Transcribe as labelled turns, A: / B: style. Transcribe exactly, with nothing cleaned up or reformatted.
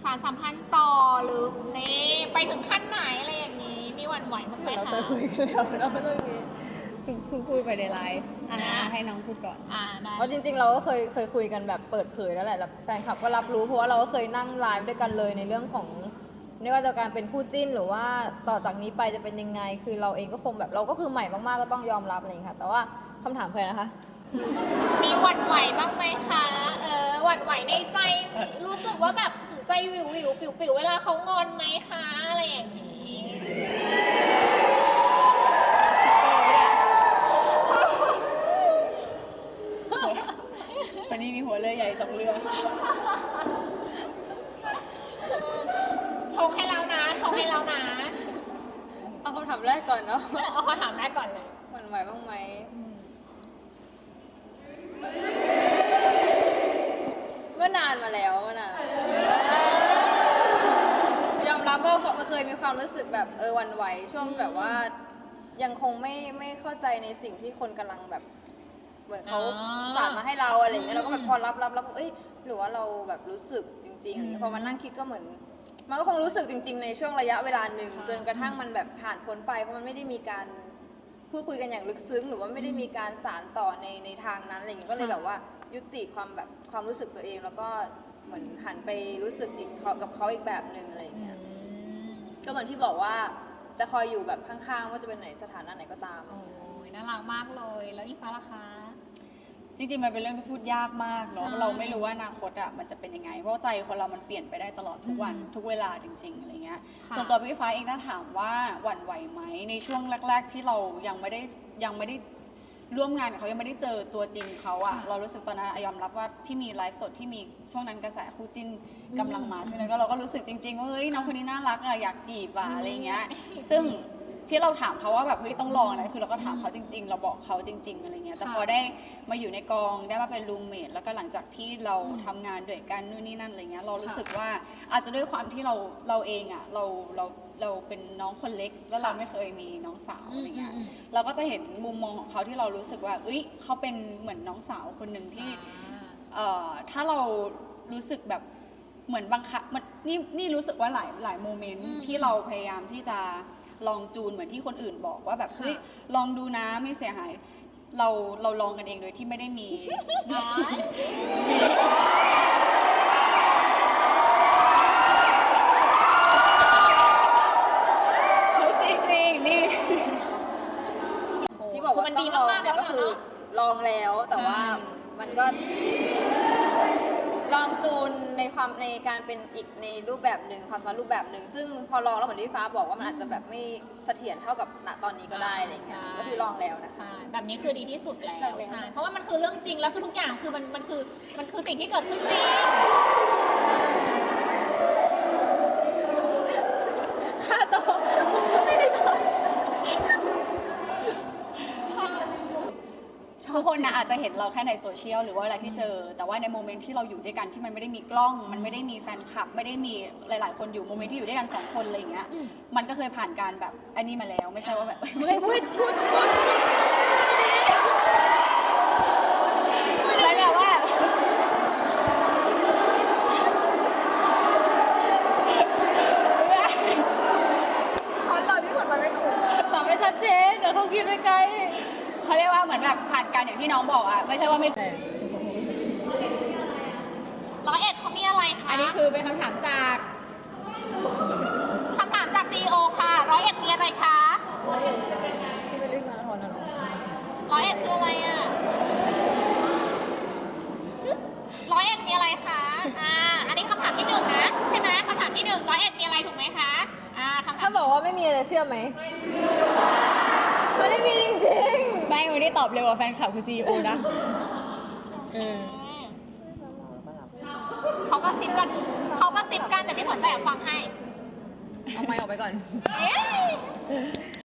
A: ารสัมพันธ์ต่อหรือนี่ไปถึงขั้นไหนอะไรอย่างนี้มีหวั่นไหวบ้างไหม
B: เรา
A: คะ
B: เคยคุยกันแล้วเนาะเรื่องนี้
C: เพิ่งเพิ่งคุยไปในไลฟ์อ่าให้น้องพูดก่อน
A: อ่าได้
B: เพราะจริงๆเราก็เคยเคยคุยกันแบบเปิดเผยแล้วแหละแล้วแฟนคลับก็รับรู้เพราะว่าเราก็เคยนั่งไลฟ์ด้วยกันเลยในเรื่องของไม่ว่าจะการเป็นคู่จิ้นหรือว่าต่อจากนี้ไปจะเป็นยังไง คือเราเองก็คงแบบเราก็คือใหม่มากๆก็ต้องยอมรับอะไรอย่างนี้ค่ะแต่ว่าคำถามเคยนะคะ
A: มีหวั่นไหวบ้างไหมคะเออหวั่นไหวในใจรู้สึกว่าแบบใจวิววิวปิวปิวเวลาเขางอนไหมคะอะไรอย่างนี้
C: วันนี้มีหัวเรือใหญ่สองเรือ
A: ชงให้แล้วนะชงให้แล้วนะ
B: เอาคำถามแรกก่อนเนาะ
A: เอาคำถามแรกก่อนเลย
B: หวั่นไหวบ้างไหมเมื่อนานมาแล้วเมื่อนานยอมรับว่ามันเคยมีความรู้สึกแบบเออหวั่นไหวช่วงแบบว่า ยังคงไม่ไม่เข้าใจในสิ่งที่คนกำลังแบบ เหมือนเขาฝากมาให้เราอะไรอย่างเงี้ยเราก็แบบพอรับรับรับเอ้ยหรือว่าเราแบบรู้สึกจริงๆอย่างเงี้ยพอมานั่งคิดก็เหมือน มันก็คงรู้สึกจริงๆในช่วงระยะเวลาหนึ่งจนกระทั่งมันแบบผ่านพ้นไปเพราะมันไม่ได้มีการพูดคุยกันอย่างลึกซึ้งหรือว่าไม่ได้มีการสานต่อในในทางนั้นอะไรอย่างเงี้ยก็เลยแบบว่ายุติความแบบความรู้สึกตัวเอง แล้วก็เหมือนหันไปรู้สึกอีกกับเขาอีกแบบหนึ่งอะไรอย่างเงี้ยก็เหมือนที่บอกว่าจะคอยอยู่แบบข้างๆว่าจะเป็นไหนสถานะไหนก็ตาม
A: โอ้ยน่ารักมากเลยแล้วอีฟ้าล่ะคะ
C: จริงๆมันเป็นเรื่องที่พูดยากมากเนาะ
A: ใช่
C: เราไม่รู้ว่าอนาคตอ่ะมันจะเป็นยังไงเพราะใจคนเรามันเปลี่ยนไปได้ตลอดทุกวัน
A: อืม
C: ทุกเวลาจริงๆอะไรเงี้ย
A: ค่ะ
C: ส่วนตัวพี่ฟ้าเองถ้าถามว่าหวั่นไหวไหมในช่วงแรก ๆ ที่เรายังไม่ได้ยังไม่ได้ร่วมงานกับเขายังไม่ได้เจอตัวจริงเขาอ่ะ
A: ค่ะ
C: เรารู้สึกตอนนั้นอะยอมรับว่าที่มีไลฟ์สดที่มีช่วงนั้นกระแสคู่จิ้น
A: อืม
C: กำลังมาใช่ไหมก็เราก็รู้สึกจริงๆว่าเฮ้ยน้องคนนี้น่ารักอะอยากจีบอะ
A: อืม
C: อะไรเงี้ยซึ่งที่เราถามเขาว่าแบบเฮ้ยต้องลองนะคือเราก็ถามเขาจริง ๆ เราบอกเขาจริง ๆอะไรเงี้ยแต่พอได้มาอยู่ในกองได้มาเป็นรูมเมทแล้วก็หลังจากที่เราทำงานด้วยกันนู่นนี่นั่นอะไรเงี้ยเรารู้สึกว่าอาจจะด้วยความที่เราเราเองอ่ะเราเราเราเป็นน้องคนเล็ก แล้วเราไม่เคยมีน้องสาวอะไรเงี้ย
A: อืมอืม
C: เราก็จะเห็นมุมมองของเขาที่เรารู้สึกว่าเอ้ยเขาเป็นเหมือนน้องสาวคนหนึ่งที่ เอ่อถ้าเรารู้สึกแบบเหมือนบังคับมันนี่นี่รู้สึกว่าหลายหลายโมเมนต์
A: อืม
C: ที่เราพยายามที่จะลองจูนเหมือนที่คนอื่นบอกว่าแบบ
A: ค่ะ
C: เฮ้ยลองดูนะไม่เสียหาย เราเราลองกันเองโดยที่ไม่ได้มี
A: น้อย
C: จริงๆนี่
B: ที่บอกว่า
A: มัน
B: ต้
A: ดี
B: องลอง
A: มากๆ
B: เนี่ย
A: แล้ว
B: ก็คือ
A: เนาะ
B: ลองแล้วแต่ว่า
C: ใช่
B: มันก็ ลองจูนในความในการเป็นอีกในรูปแบบหนึ่งความสัมพันธ์รูปแบบหนึ่งซึ่งพอลองแล้วเหมือนที่ฟ้าบอกว่ามันอาจจะแบบไม่เสถียรเท่ากับณตอนนี้ก็ได้อะไรอย่างเงี้ย
A: ใช่
B: ก็คือลองแล้วนะคะ
A: ใช่แบบนี้คือดีที่สุดแล้ว
B: ลองแล้ว
A: ใช่เพราะว่ามันคือเรื่องจริงแล้วคือทุกอย่างคือมันมันคือมันคือสิ่งที่เกิดขึ้นจริง
B: ค่าตัวไม่ได้ตัว
C: ทุกคนนะอาจจะเห็นเราแค่ในโซเชียลหรือว่าอะไรที่เจอ แต่ว่าในโมเมนต์ที่เราอยู่ด้วยกันที่มันไม่ได้มีกล้อง มันไม่ได้มีแฟนคลับ ไม่ได้มีหลาย ๆ คนอยู่โมเมนต์ที่อยู่ด้วยกันสองคนอะไรอย่างเงี้ย
A: อืม
C: มันก็เคยผ่านการแบบอันนี้มาแล้วไม่ใช่ว่าแบบ
B: ไม่ใช่พูดพูดพูด
C: แล้วแบบว่า
A: ช้อนตอนที่ผลมันไม่ถูก
B: ตอบไม่ชัดเจนเดี๋ยวเขาคิดไว้ไกล
C: เขาเรียกว่าเหมือนแบบผ่านการอย่างที่น้องบอกอ่ะไม่ใช่ว่าไม่
A: ร้อยเอ็ดเขามีอะไรคะ
C: อันนี้คือเป็นคำถามจาก
A: คำถามจากซีอีโอค่ะร้อยเอ็ดมีอะไรคะ
B: ที่ไปเล่นงานละครน่ะเหรอ
A: ร้อยเอ็ดคืออะไรอ่ะร้อยเอ็ดมีอะไรคะอ่าอันนี้คำถามที่หนึ่งนะใช่ไหมคำถามที่หนึ่งร้อยเอ็ดมีอะไรถูกไหมคะอ่าคำถา
B: ถ้าม บอกว่าไม่มีจะเชื่อไหมมันไม่มีจริง
C: ไม่วันนี้ตอบเร็วกว่าแฟนคลับคือซีอีโอนะเออ
A: เขาก็ซิปกันเขาก็ซิปกันแต่พี่ฝนจะแอบฟังให้
B: ๆเอาไมค์ออกไปก่อน
A: เอ๊ะ